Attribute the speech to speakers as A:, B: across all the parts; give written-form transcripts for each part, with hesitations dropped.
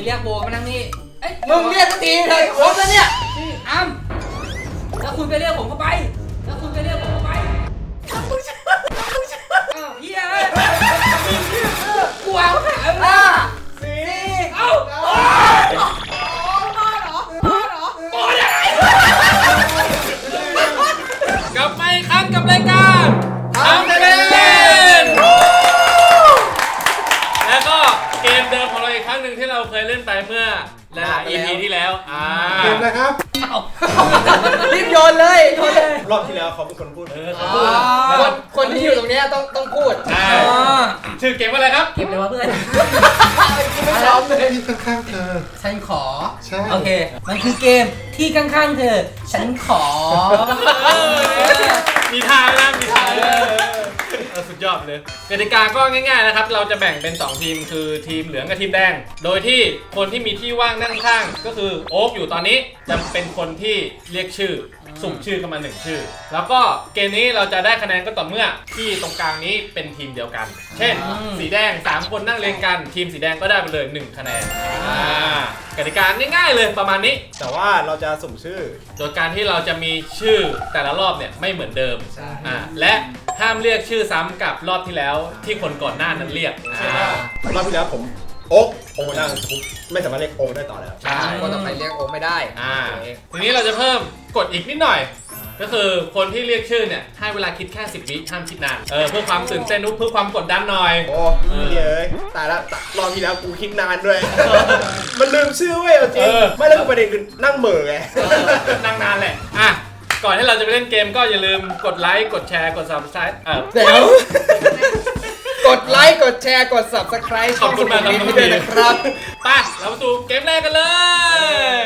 A: รียกโบมานั่งนี่
B: มึงเรียกสักทีเลยครบแล้วเนี่ย
A: อ้ำแล้วคุณก็เรียกผมเข้าไปแล้วคุณก็เรียกผมเข้าไปอ้าวเฮียกูเอา4 เอ้า
C: กลับมาอีกครั้งกับรายการทำเล่นแล้วก็เกมเดิมของเราอีกครั้งหนึ่งที่เราเคยเล่นไปเมื่อหลาย EP ที่แล้ว
D: เกมอะไรครับ
B: รีบโยนเลย
D: รอบที่แล้วเขาเป็นคนพูด
B: คนที่อยู่ตรงนี้ต้องพูด
C: ชื่อเกมว่าอะไรครับ
A: เก็บเลยวะเพื่อน
B: ไม่พร้อมเลย
D: ที่ข้างๆเธอ
A: ฉันขอ
D: ใช่
A: โอเคมันคือเกมที่ข้างๆเธอฉันขอ
C: มีทางนะมีทางสุดยอดเลยกติกาก็ง่ายๆนะครับเราจะแบ่งเป็น2ทีมคือทีมเหลืองกับทีมแดงโดยที่คนที่มีที่ว่างนั่งข้างก็คือโอ๊คอยู่ตอนนี้จะเป็นคนที่เรียกชื่อสุ่มชื่อเข้ามา1ชื่อแล้วก็เกมนี้เราจะได้คะแนนก็ต่อเมื่อที่ตรงกลางนี้เป็นทีมเดียวกันเช่นสีแดง3คนนั่งเรียงกันทีมสีแดงก็ได้ไปเลย1คะแนนกติกาง่ายๆเลยประมาณนี้
D: แต่ว่าเราจะสุ่มชื่อ
C: โดยการที่เราจะมีชื่อแต่ละรอบเนี่ยไม่เหมือนเดิมและห้ามเรียกชื่อซ้ำกับรอบที่แล้วที่คนก่อนหน้านั้นเรียก
D: รอบที่แล้วผมโอ๊กนั่งไม่สามารถเรียกโอ๊กได้ต่อแล้ว
B: ใช่ก็ต้องไปเรียกโอ๊กไม่ได้
C: ทีนี้เราจะเพิ่มกฎอีกนิดหน่อยก็คือคนที่เรียกชื่อเนี่ยให้เวลาคิดแค่10 วิห้ามคิดนานเพื่อความตื่นเต้นเพื่อความกดดันหน่อย
D: โอ้เย้ยแต่ละรอบที่แล้วกูคิดนานด้วยมันลืมชื่อเว้ยจริงไม่แล้วประเด็นคือนั่งเหม่อไง
C: นั่งนานแหละก่อนที่เราจะไปเล่นเกมก็อย่าลืมกดไลค์กดแชร์กด Subscribe
B: เดี๋ยวกดไลค์กดแชร์กด Subscribe
C: ขอบคุณมากครับ
B: ด้วยนะครับ
C: ไปเรามาสู่เกมแรกกันเลย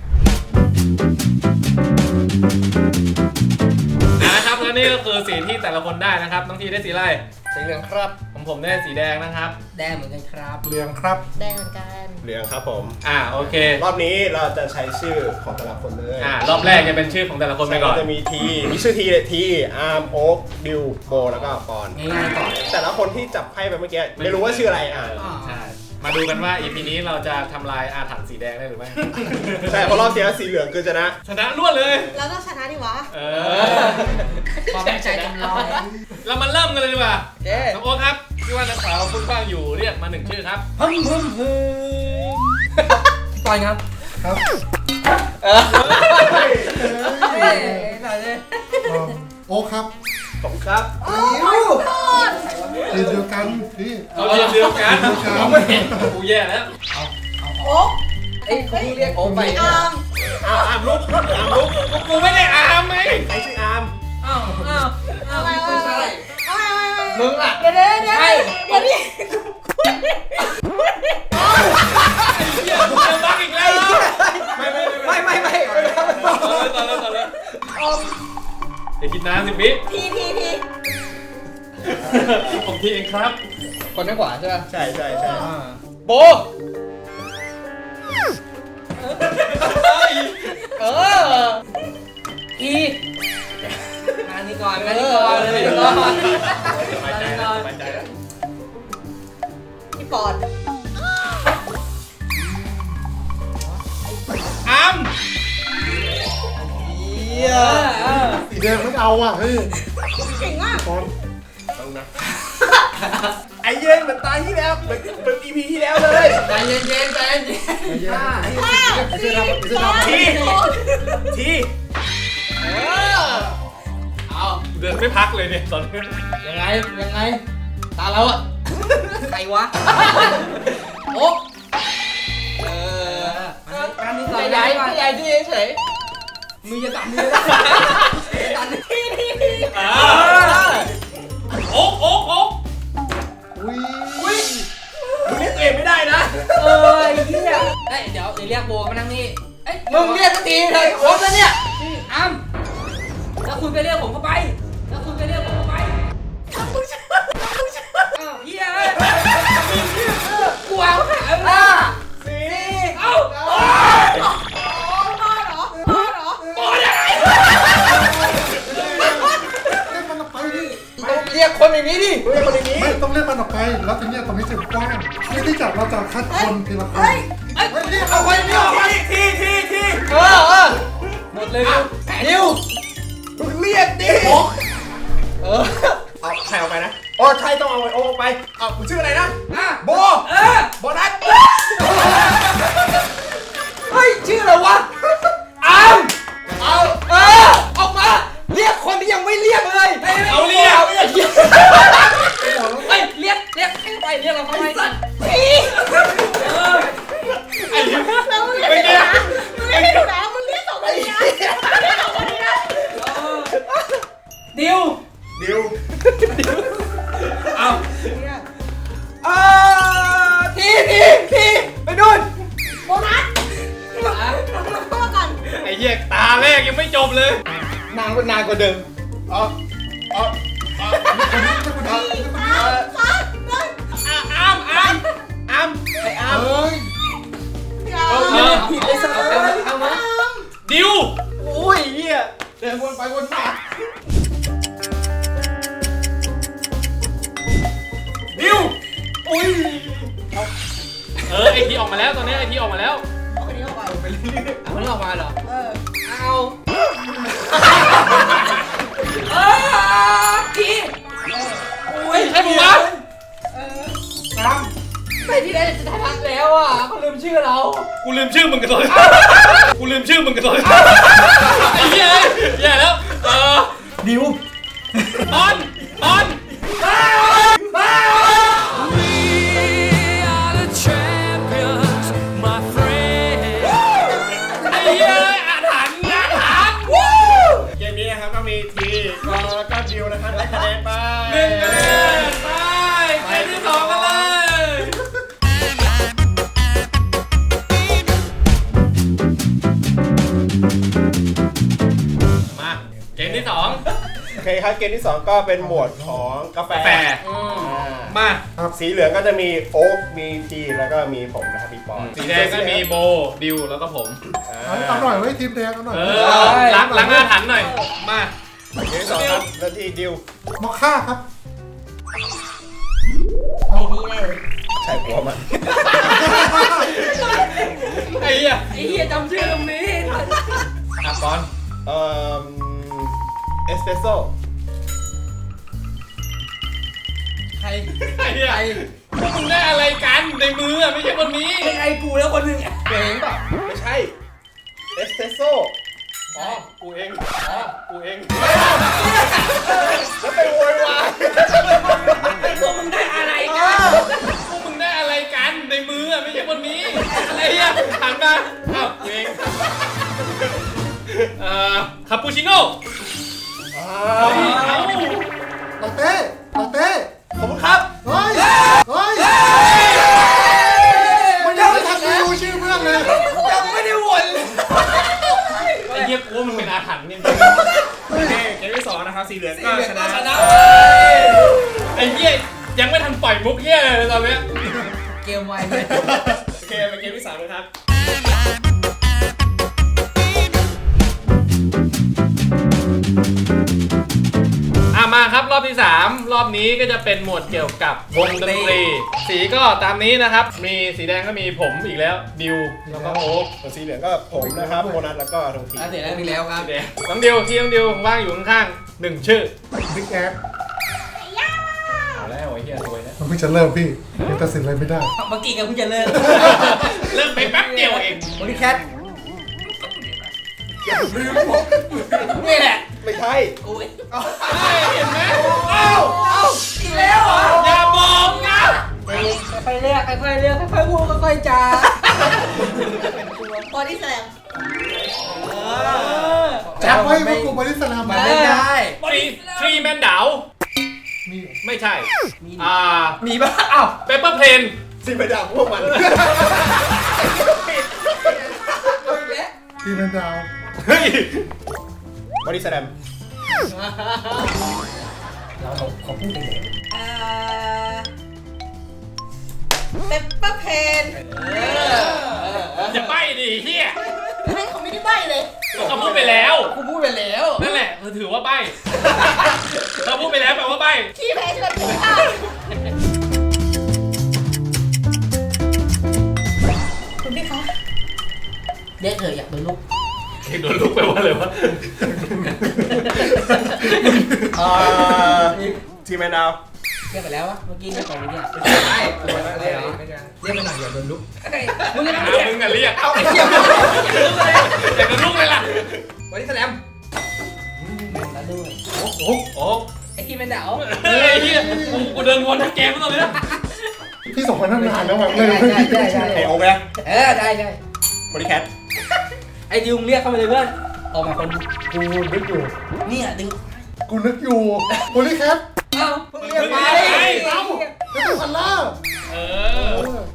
C: นะครับและนี่ก็คือสีที่แต่ละคนได้นะครับน้องทีได้สีอะไร
B: สีเหลืองครับ
C: ผมได้สีแดงนะครับ
A: แดงเหมือนกันครับ
D: เหลืองครับ
A: แดงเหมือนกัน
D: เหลืองครับผม
C: โอเค
D: รอบนี้เราจะใช้ชื่อของแต่ละคนเลย
C: รอบแรกจะเป็นชื่อของแต่ละคนไปก่อน
D: จะมีมีชื่อทีเลยทีอาร์มโอ๊กดิวโบแล้วก็ปอน
A: ง่ายๆก่อน
D: แต่ละคนที่จับไพ่ไปเมื่อกี้ไม่รู้ว่าชื่ออะไร
C: ใช่มาดูกันว่า EP นี้เราจะทำลายอาถรรพ์สีแดงได้หรือไม่
D: ใช่เพราะรอบที่แล้วสีเหลืองคือชนะ
C: รวดเลย
E: แล้วต้องชนะดิวะ
A: ความใจจำลอง
C: เรามาเริ่มกันเลยดีกว่าน้องโอ๊คครับที่ว่านักสาวคุณฟังอยู่เรียกมา1ชื่อครับ
A: พึ่มปล่อยครับ
D: โอ๊คครับ
C: ผมครับ
D: เรียนเดียวกันพี่
C: เราเรียนเดียวกันเราไม่เห็นกูแย่แล้ว
E: โอ๊ค
B: คุณเรียกโอ๊คไป
E: อา
C: ร์มลุกกูไม่ได้อาร์มไหม
D: ใครชื่ออาร์ม
B: ไม่ใช่มึงอ่ะ
E: เดี๋ยวนี่
C: เดี๋ยวบักอีกแล้ว
B: ไม่
C: ต่อเลยเดี๋ยวคิดนาน10 วิ
E: ที
C: ผมทีเองครับ
B: คนด้านขวาใช่ไหม
D: ใช่
B: โบ
A: อีงานนี้ก่อน
C: สบายใจแล้ว
E: พี่ปอน
C: อาร์ม
D: สีแดงไม่เอาอ่ะเฮ้ย
E: เก่งมาก
D: ปอนต้องนะไอ้เย็นเหมือนตายที่แล้วเป็น EP ที่แล้วเลย
B: ใจเย็น
D: ที
C: เดินไม่พักเลยเนี่ยตอนนี้
B: ยังไงตาเราอ่ะใครวะโอ๊ก
A: การนี้ก่อน
B: ใหญ่ที่เฉย
A: มือจะตัด
E: ที
C: โอ๊ก
D: อุ้ยมึงเรียกตัวเองไม่ได้นะ
A: ไอ้เหี้ยเดี๋ยวเรียกโบมานั่งนี่
B: มึงเรียกสักทีเลยครบแล้วเนี่ย
A: อ้ำแล้วคุณก็เรียกผมเข้าไปอ้าวเหี้ยกูเอา4 เอ้า
D: เล่นมันไปดิ
B: เรียกคนอย่างนี้ดิ
D: เรียกคนนี้
F: ไม่ต้องเรียกมันออกไป แล้วทีเนี้ยตรงนี้จะกว้างเพื่อที่จะเราจะคัดคนทีละคน
E: เฮ้ย
F: เรียกเอาไว้เรียกเอาไว้
D: ที่
B: เออหมดเลยดิว
D: มึงเรียกดิ
B: เออ
D: เอาใครเอาไปนะอ๋อใช่ต้องเอาไอโอ๊กไปเอามึงชื่ออะไรนะโบโบนัส
B: เฮ้ยชื่ออะไรวะอามเอาออกมาเรียกคนที่ยังไม่เรียกเลย
C: เอาเรียก
B: เฮ้ยเรียกให้ไปเรียกเราเข้าไป
E: แล้วมึงเรียกไม่ถูกนะมึงเรียกไม่ถูกนะมึงเรียกสองคนนี้นะเรียกสองคนนี้นะ
A: ดิว
D: ดิว
A: เอา
B: ทีไปนู่น
E: โบนัสพูดก่อน
C: ไอ้เหี้ยตาแรกยังไม่จบเลย
B: นานกว่าเดิม
D: อ๋อ
E: 4 3 2 1
C: อ้าม
B: ไอ้อาม
F: เฮ้ย
B: ผิดไอ้สัสเอามา
C: ดิว
B: โอ้ยเหี้ยเดินวนไปวนมา
C: ดิว
B: อุ้ย
C: ไอทีออกมาแล้วตอนนี้ไอทีออกมาแล้ว
E: เอาคนนี้เข้าไป
B: เอามันออกมาเหรอ เอา
A: พี่
B: อุ้ย
C: ใช่ผมวะ
B: ไปที่ไหนจะได้พักแล้วอ่ะเขาลืมชื่อเรา
C: กูลืมชื่อมึงกันเลยกูลืมชื่อมึงกันเลยไอ้เหี้ยแย่แล้ว
B: ดิว
C: ตอนไอ้เหี้ยอาถรรพ์
D: เกมนี้นะครับก็มีทีแล้วก็ดิวนะครับได้คะแนนไป
C: 1 คะแนนไปเกมที่ 2กันเลยมาเกมที่ 2
D: โอเคครับเกมที่ 2 ก็เป็นหมวดของกาแฟ
C: แฟร์ มา
D: สีเหลืองก็จะมีโอ๊กมีทีแล้วก็มีผมนะครับมีปอน
C: สีแดงก็มีโบดิวแล้วก็ผม
F: เอาหน่อยไว้ทีมแดงเอาหน่อย
C: ล้างอาถรรพ์หน่อยมา
D: เกมที่ 2 ครับแล้วที่ดิว
F: มอคค่าครับ
E: ไอ้นี่แน่เลย
D: ใช่หัวมัน
C: ไอ้เหี้ย
A: ไอ้เหี้ยจำชื่อตรงนี้
C: อ่ะก่อน
D: เอสเปรสโซ่
B: ใคร
C: ไอ้เหี้ยพวกมึงได้อะไรกันในมือไม่ใช่คนนี้
A: เป็นไอ้กูแล้วคนหนึ่ง
B: เก่งเปล่า
D: ไม่ใช่เอสเปรสโซ่
C: อ๋อกูเองกูเอง
D: แล้วไปโวยวาย
A: พวกมึงได้อะไรกัน
C: พวกมึงได้อะไรกันในมือไม่ใช่คนนี้อะไรเหี้ยหันมาอ้าวกูเองคาปูชิโน่เอ้า
F: ลาเต้ลาเต้
D: ผมครับ
F: เฮ้ย เฮ้ย มันยังไม่ทันได้รู้ชื่อเพื่อนเลย
B: ยังไม่ได้วน
C: ไอ้เหี้ยกูว่ามันเป็นอาถรรพ์จริง
D: โอเคเกมที่ 2 นะครับสีเหลืองก็ชนะ
C: ไอ้เหี้ยยังไม่ทันปล่อยมุกเหี้ยเลยตอนเนี้ย
B: เกมไวเลย
D: โอเคเป็นเกมที่ 3 นะครับ
C: มาครับรอบที่ 3 รอบนี้ก็จะเป็นหมวดเกี่ยวกับวงดนตรี สีก็ตามนี้นะครับ มีสีแดงก็มีผมอีกแล้วดิวแล้วก็โอ๊ค
D: ส่วนสีเหลืองก็ผมนะครับโบนัสแล้วก็ทงที
B: เสร็จแล้วมีแล้วครับ
C: สีแดงน้องดิวที่น้องดิวว่างอยู่ข้างๆ1 ชื่อ
F: บิ๊กแอด
C: เอาแล้วไอ้เหี้ยรวยแล้ว
F: มันเพิ่งจะเริ่มพี่ยังตัดสินอะไรไม่ได้
A: เมื่อกี้กันเพิ่งจะเลิก
C: เริ่มไปแป๊บเดียวเอง
B: บริแคทนี่แหละ
D: ไม่ใช่
A: กูเอง
C: เห็นไหม
B: อีกแล้วเหรอ
C: อย่าบอกนะ
B: ค่อยๆเรียกค่อยๆเรียกค่อยๆพูดค่อยๆจา
E: บอดี้แสลม
F: จำไว้ว่ากูบริสลาม
B: มาเล่นได้
C: ทรีแมนดาว
F: มี
C: ไม่ใช่
B: มีบ้าอ้าว
C: เปเปอร์เพลน
D: สีไปดับพวกมัน
B: เอาอีกแล้ว
F: ทีมเป็นดาว
C: เฮ้ย
D: บอดี้แสลม
B: เราขอพูดไปเลย
E: เปปเปอร์เพน
C: อย่าใบ้ดิเฮีย
E: ให้เขาไม่ได้ใบ้เลย
C: เขาพูดไปแล้ว
B: กูพูดไปแล้ว
C: นั่นแหละถือว่าใบ้เขาพูดไปแล้วแปลว่าใบ้
E: ขี้แพ้ชวนกินข้าวคุณพี่คะ
A: เรียกเธออยากโดนลูก
C: โดนลุกไปว่าเลยวะ
D: ทีมแมนดาว
A: เรียกไปแล้ววะเมื่อกี้เรียกไปเมื่อกี้
B: ไม่เรียกไปหน่อยอย่าโดนลุก
A: มึงจะ
C: มึงอะเรียก
B: เอาไอ้เหี้ย
C: อยากโดนลุกเลยล่ะ
B: วันนี้แสลม
A: แล้วด้วย
C: โอ้
A: ไอ้กินเป็นดาว
C: เฮ้ยเฮียกูเดินวนทั้งเกมแล้วตอนนี้
F: พี่ส่งมาตั้งนานแล้วแบบเลย
A: ใช่
D: เอโอไป
A: ได้
D: บริแคท
A: ไอ้ดิวเรียกเข้าไปเลยเพื่อนออกมาคน
F: กูนึกอยู่
A: เนี่ยดิว
F: กูนึกอยู่โพลีแคท
A: เอ้า
B: เพิ่งเรียกไป
F: แล้วก็คันล่า
C: เออ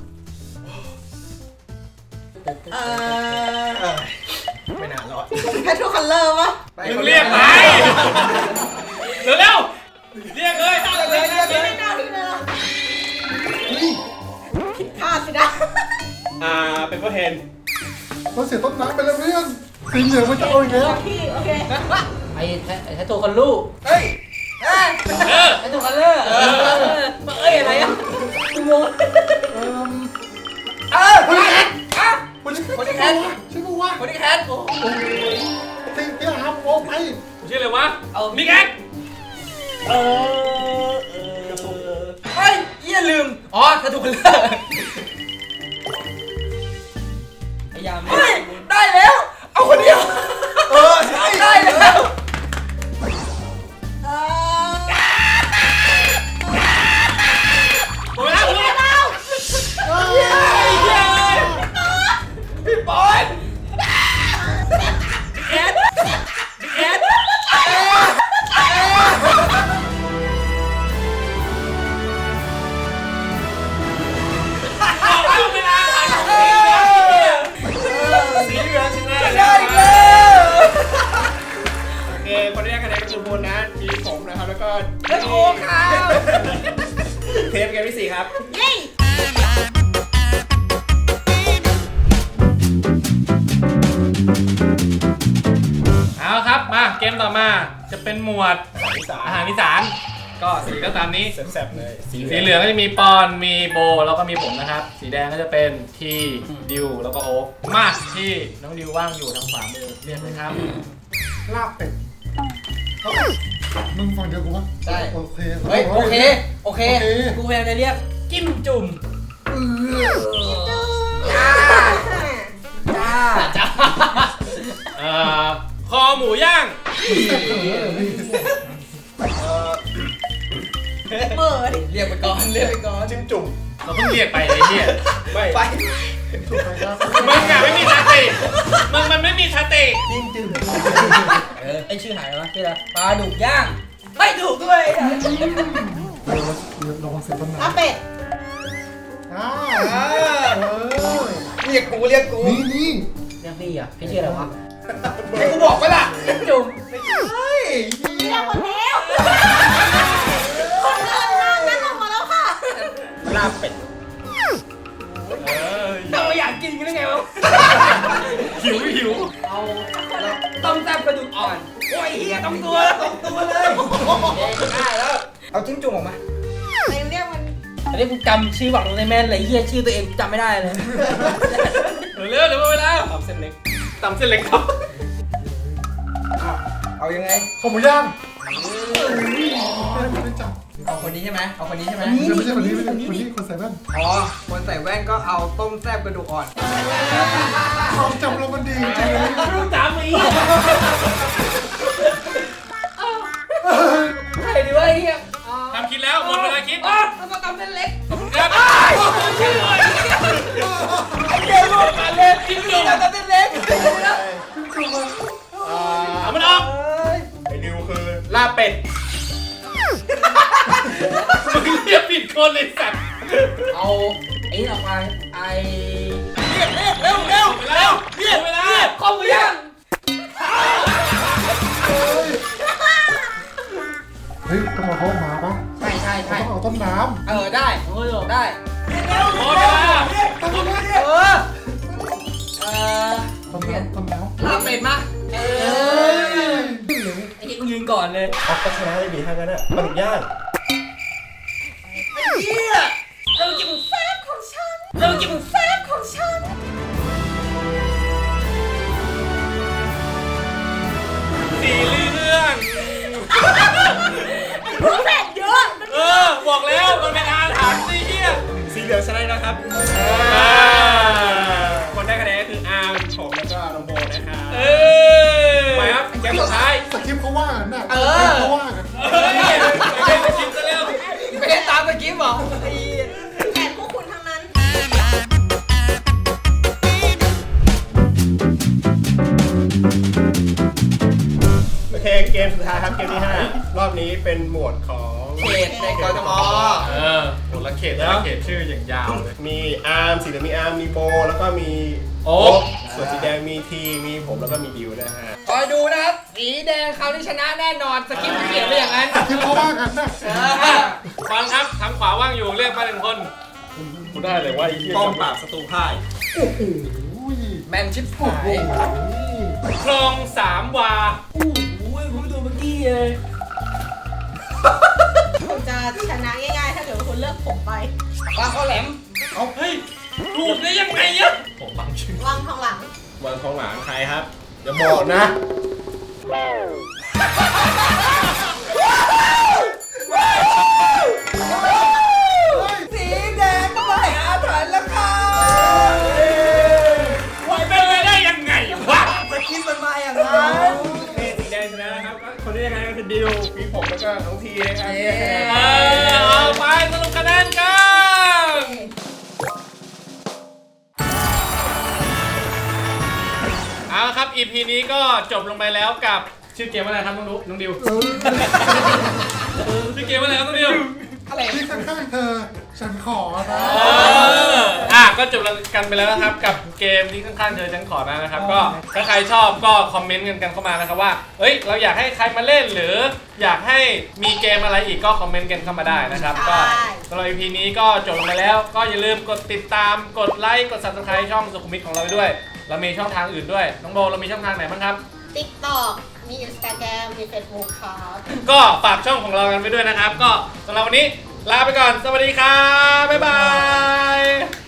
B: ไม่นานรอด
E: แพททูคัลเลอร์ปะ
C: มึงเรียกไปเร็วเรียกเลย
E: ไม่น่าที่เลยผิดพลาดสินะ
D: เป็นเพื่อเฮน
F: เราเสียต้นน้ำไปแล้วเพื่อนสีเหลืองมันจะเอาอีกแล้ว
E: พี่โอเค
A: ไอ้แท้ตัวคนลูก
B: เฮ้ย
C: เออ
A: ไอ้ตัวคัลเลอร์เอ้ยอะไรอ่ะกูงง
B: โพลีแคท
F: โพลี
B: โพลีแคท
F: ใช่ปะวะ
B: โพลีแคทโอ้
F: ตีพี่อาร์มโอ้ไป
C: ชื่ออะไรวะมิกแอ๊ก
B: เฮ้ยเหี้ยลืมอ๋อถ้าถูกคนเลิก
A: พยายาม
B: เฮ้ยได้แล้ว เอาคนเดียวใช่ได้แล้ว
C: หมดเวลาหมดเวลา
B: พี่บอล
C: เวลาสีเหลืองชนะ
B: ได้แล้ว
D: โอเคคนแรกคะแนนก็คือโบนัสทีมผมนะครับแล้วก็
B: แล้วโอ้ค่ะ
D: เทปเกมที่ 4 ครับ
E: เย้
C: เอาครับมาเกมต่อมาจะเป็นหมวดอาหารอีสานก็สีก็ตามนี้
D: แซ่บๆเลย
C: สีเหลืองก็จะมีปอนมีโบแล้วก็มีผมนะครับ สีแดงก็จะเป็นที่ดิวแล้วก็โอ๊คมาที่น้องดิวว่างอยู่ทางขวามือเรียกเลยครับ
F: ลาบเป็ดมึงฟังเดียวกูปะโอเค
A: เฮ้ยโอเคกูพยายามจะเรียกจิ้มจุ่มจ้า
C: คอหมูย่าง
E: เปิด
B: เรียกไปก่อนเรียกไปก่อน
D: จิ้มจุ่ม
C: เราเพิ่งเรียกไปไอ้เนี่ย
D: ไม่
B: ไป
F: ถูกไปครับ
C: มึงอะไม่มีสติมันไม่มีสติ
A: ไอชื่อหายแล้วชื่ออะไรปลาดุกย่างไม่ดุกด้วย
F: ระวังเสียต้นน้
E: อาเป็ด
F: ำ
B: เรียกกูเรียกกู
F: นี่
A: เรียกพี่อ่ะพี่ชื่ออะไรวะ
B: ให้กูบอกไปล่ะ
A: จิ้มจุ่ม
B: เฮ้ย
E: เรียกคนแล้วคนเดินมานั่นลงมาแล้วค่ะ
D: ลาบเป็ด
A: ทำไมอยากกินกันได้ไงวะ
C: หิว
A: เอาต้มแซ่บกระดูกอ่อนโอ้ยเฮียต้องตัว
B: ตัวเลยได้แล้ว เอาจิ้งจุ่มออกมา
E: เรียกมัน
A: อันนี้กูจำชื่อฝั่งตรงในแม่นเลยเฮียชื่อตัวเองจำไม่ได้เลย
C: เร็วเวลา
D: ตำเส้นเล็ก
C: ตำเส้นเล็กครับ
B: เอายังไง
F: ข้าวหมูย่างไม่จับ
B: เอาคนนี้ใช่ไหมเอาคนนี้ใช่ไหม
F: ไม่ใช่คนนี้ไม่ใช่คนนี้คนใส่แว่น
B: อ๋อ คนใส่แว่นก็เอาต้มแซ่บกระดูกอ่อน
F: ความจำเรามันดีจริงเลย
A: รู้จำอีกใช่ดิวะเฮีย
C: ทำคิดแล้วหมดเวลาคิด
A: อ๋อต้องตำเส้นเล็ก
C: ครับ
A: ชื่ออะไร
B: เดี๋ยวรวมกันเลยจิ้งจุ่มกับเส้นเล็ก
C: เอามันออก
D: ไอ้ดิวคือลาบเป็ด
C: มึงเรียกผิดคนเลยสัตว์
A: เอาไอ้นี่ออกมาไอ้
B: เร็ว
C: เรียกเวลา
A: ข้าวหมูย่าง
F: เฮ้ยต้องมาเขามาปะ
A: ใช่
F: ต้องเอาต้นน้
B: ได้
A: โอ้ย
B: ได้
C: หมดเวลา
B: เออ
A: เอ่อ
F: ำต้นน้ำ
B: ลาบเป็ดมา
A: เไอ้ที่กูยืนก่อนเลย
D: เอาก็ชนะเลยดีถ้างั้นอ่ะปลาดุกย่าง
E: เรากินแซ่บของฉันเรากินแซ่บของฉัน
C: สีเรื่อง
E: รู้แผนเยอะ
C: บอกแล้วมันเป็นอาถรรพ์สิเฮีย
D: สีเหลืองชนะนะครับ คนได้คะแนนก็คืออาร์มผมแล้วก็น้องโบนะครับ
C: ไปครับเกมสุดท้าย
F: สคริปต์เขาว่ากันนะ
B: เอ
F: ส
B: อ
F: คริปต์เขาว่ากัน
C: เล่นคลิปซะแล้ว
B: ไม่ได้ตามสคริปต์เหรอไอ้
E: แผนพวกคุณทั้งนั้น
D: โอเคเกมสุดท้ายครับเกมที่ 5 รอบนี้เป็นหมวดของ
B: เขตในกทม
C: หมดละเขตชื่ออย่างยาวเลย
D: มีอาร์มสีเหลืองมีอาร์มมีโบแล้วก็มี
C: โอ๊ค
D: ส่วนสีแดงมีทีมีผมแล้วก็มีดิวนะฮะ
B: คอยดูนะครับ สีแดงคราวนี้ชนะแน่นอน สคริปต์เขียนไปอย่างนั้น
F: สคริปต์เขาว่ากันนะ
C: ฟังครับทางขวาว่างอยู่เรียกมาหนึ่งคนกูได้เลยว่าไอ้เหี้ย
D: ป้อมปราบศัตรูพ่าย
F: อุ้ย
B: แมนชิปหา
F: โอ้
B: ย
F: โห
C: คลองสามวา
A: โอ้โหผมดูเมื่อกี้เลย
E: คุณจะชนะง่ายๆถ้าเกิดว่าคุณเลือกผมไป
B: ปลาข้าวแหลม
C: เฮ้ยถูกได้ยังไงอะผมบังชื่อ
E: วางทองหลัง
D: วันทองหลังใครครับอย่าบอกนะ
B: สีแดงก็ไม่อาถรรพ์แล้วค่ะ
C: มันเป็นไปได้ยังไงวะ
B: สคริปต์มันมาอย่างนั้น
D: สีแดงชนะครับก็คนที่ได้คะแนนก็คือดิวมีผมแล้วก็น้องทีนะครับ
C: เอาไปสรุปคะแนนกันเอาละครับ EP นี้ก็จบลงไปแล้วกับชื่อเกมว่าอะไรครับน้องดิวชื่อเกมว่าอะไรครับน้องดิว
B: อะไร
F: ที่ข้างๆเธอ ฉันขอนะ
C: ก็จบกันไปแล้วนะครับกับเกมที่ข้างๆเธอฉันขอนะครับ ก็ถ้าใครชอบก็คอมเมนต์กันเข้ามานะครับว่าเฮ้ยเราอยากให้ใครมาเล่นหรืออยากให้มีเกมอะไรอีกก็คอมเมนต์กันเข้ามาได้นะครับก็สำหรับ EP นี้ก็จบลงไปแล้วก็อย่าลืมกดติดตามกดไลค์กด Subscribe ช่องสุขุมวิทของเราไปด้วยเรามีช่องทางอื่นด้วยน้องโบเรามีช่องทางไหนบ้างครับ
E: TikTok มี Instagram มี Facebook ครับ
C: ก็ฝากช่องของเรากันไปด้วยนะครับ ก็สำหรับวันนี้ลาไปก่อนสวัสดีครับบ๊ายบาย